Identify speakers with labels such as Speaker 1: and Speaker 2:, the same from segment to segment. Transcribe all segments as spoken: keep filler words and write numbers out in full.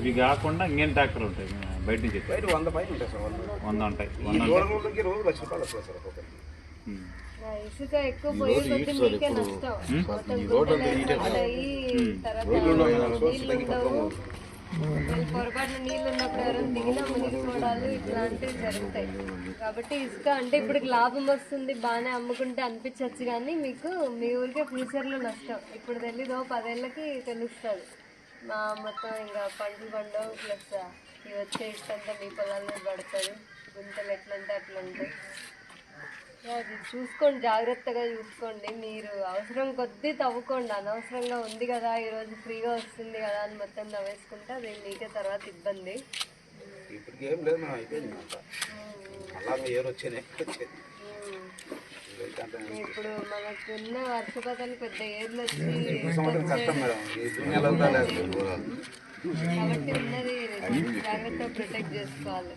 Speaker 1: ఇవి కాకుండా ఇంకేం ట్రాక్టర్లు ఉంటాయి బయట నుంచి?
Speaker 2: బయట వంద పైన ఉంటాయి సార్.
Speaker 1: వంద ఉంటాయి.
Speaker 2: రోజు లక్ష రూపాయలు వస్తుంది సార్ ఒక్కొక్కరికి.
Speaker 3: ఇసుక ఎక్కువ పోయే కొద్ది మీకే నష్టం. పొరపాటున నీళ్ళు ఉన్నప్పుడు ఎవరైనా దిగినా మునిగిపోవడాలు ఇట్లాంటివి జరుగుతాయి. కాబట్టి ఇసుక అంటే ఇప్పుడు లాభం వస్తుంది బాగానే అమ్ముకుంటే అనిపించవచ్చు, కానీ మీకు మీ ఊరికే ఫ్యూచర్లో నష్టం. ఇప్పుడు తెలీదు, పదేళ్ళకి తెలుస్తుంది. మా మొత్తం ఇంకా పంటలు పండవు, ప్లస్ ఇవి వచ్చే ఇష్టంతా మీ పొలాల మీద పడుతుంది. గుంతలు ఎట్లంటే అట్లా ఉంటాయి. అది చూసుకోండి, జాగ్రత్తగా చూసుకోండి. మీరు అవసరం కొద్దీ తవ్వుకోండి. అనవసరంగా ఉంది కదా ఈరోజు ఫ్రీగా వస్తుంది కదా అని మొత్తం తవ్వేసుకుంటే అది మీకే తర్వాత ఇబ్బంది.
Speaker 2: ఇప్పటికి ఏం లేదు, మనం అయిపోయింది.
Speaker 3: ఇప్పుడు మనకున్న వర్షపాతాలు పెద్ద ఏర్లు వచ్చి కాబట్టి ఉన్నది జాగ్రత్తగా ప్రొటెక్ట్ చేసుకోవాలి.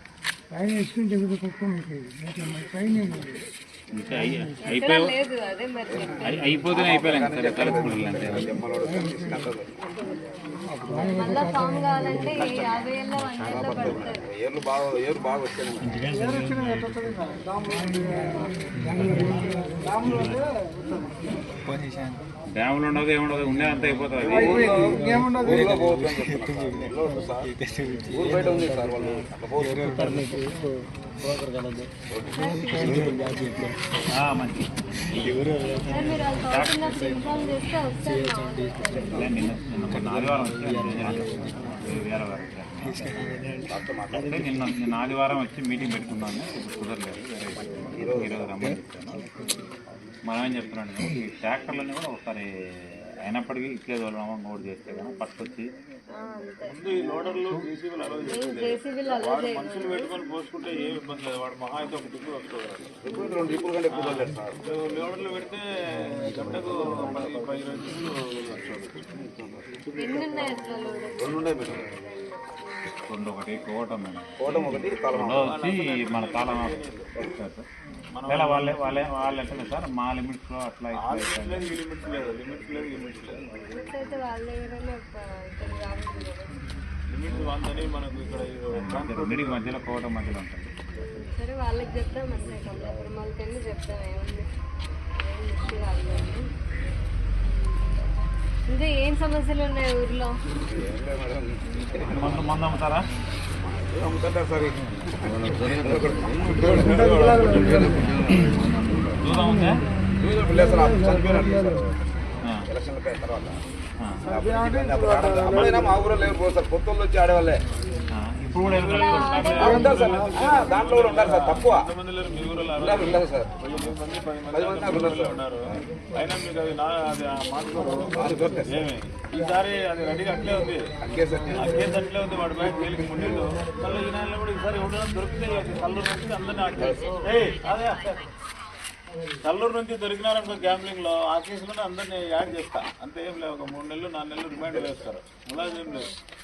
Speaker 3: లేదు అదే మరి
Speaker 1: అయిపోతే అయిపోయాలి
Speaker 3: మళ్ళా ఫామ్ కావాలంటే యాభై ఏళ్ళ వంద ఏళ్ళ పడతారు.
Speaker 2: ఏర్లు బాగా ఏరు బాగా వచ్చాయి.
Speaker 1: డ్యాములు ఉండదు ఏముండదు, ఉండే అంతా అయిపోతుంది.
Speaker 2: ఊరు బయట ఉంది సార్ వాళ్ళు
Speaker 1: మంచి ఆదివారం నిన్న నిన్న ఆదివారం వచ్చి మీటింగ్ పెట్టుకున్నాను. కుదరలేదు, ఈరోజు రమ్మని చెప్తాను. మనం ఏం చెప్తున్నాను, ఈ ట్రాక్టర్లన్నీ కూడా ఒకసారి అయినప్పటికీ ఇట్లే తోలడం నోట్ చేస్తే కానీ పట్టుకొచ్చి
Speaker 4: ముందు ఈ లోడర్లు జేసీబీలు అలౌ చేస్తే మనుషులు పెట్టుకొని పోసుకుంటే ఏమి ఇబ్బంది లేదు. వాడు మహా అయితే ఒక టిప్పు వస్తుంది.
Speaker 2: రెండు టిప్పుల కంటే ఎక్కువ లేదు సార్.
Speaker 4: లోడర్లు పెడితే గంటకు పది పది
Speaker 2: రెండు ఉన్నాయి మేడం.
Speaker 1: రెండు ఒకటి కోవటం మేడం,
Speaker 2: కోవటం ఒకటి
Speaker 1: వచ్చి మన తాళం మన వాళ్ళే వాళ్ళే వాళ్ళు ఎట్లా సార్ మా లిమిట్స్లో అట్లా
Speaker 4: లిమిట్స్ లేదు లిమిట్స్ లేదు లిమిట్స్ లేదు లిమిట్స్ వందని మనకు ఇక్కడ
Speaker 1: రెండింటికి మధ్యలో కోవటం మధ్యలో ఉంటుంది.
Speaker 3: సరే వాళ్ళకి చెప్తాం అంటే కమలాపురం వాళ్ళకి వెళ్ళి చెప్తాం ఏముంది ఏం ఇష్యూ కాదు. ఇంకా ఏం సమస్యలు ఉన్నాయి ఊర్లో?
Speaker 1: మందు మందు అమ్ముతారా?
Speaker 2: అమ్ముతారా సార్?
Speaker 1: దూరం ఉందా?
Speaker 2: ఎలక్షన్ల తర్వాత అప్పుడైనా మా ఊరు లేకపోతే సార్ కొత్తలు వచ్చి ఆడేవాళ్ళే.
Speaker 1: ఇప్పుడు కూడా
Speaker 2: ఉంటారు సార్, దాంట్లో కూడా ఉంటారు సార్. తక్కువ ఉండదు సార్.
Speaker 4: పది మంది ఉన్నారు. అయినా మీకు అది నా అది మాట్లాడు ఈసారి అది రెడీగా అట్లే ఉంది. అగ్గేసి అట్లే ఉంది. వాడి బయట తేలికి ముందు మళ్ళీ ఈ నెలలో కూడా ఈసారి ఎవరైనా దొరికితే కల్లూరు నుంచి అందరినీ అట్లే అదే కల్లూరు నుంచి దొరికినారనుకో గ్యాంబ్లింగ్ లో ఆ కేసులోనే అందరినీ యాడ్ చేస్తా. అంతే ఏం లేవు. ఒక మూడు నెలలు నాలుగు నెలలు రిమాండ్ వేస్తారు. ములాజీ ఏం లేదు.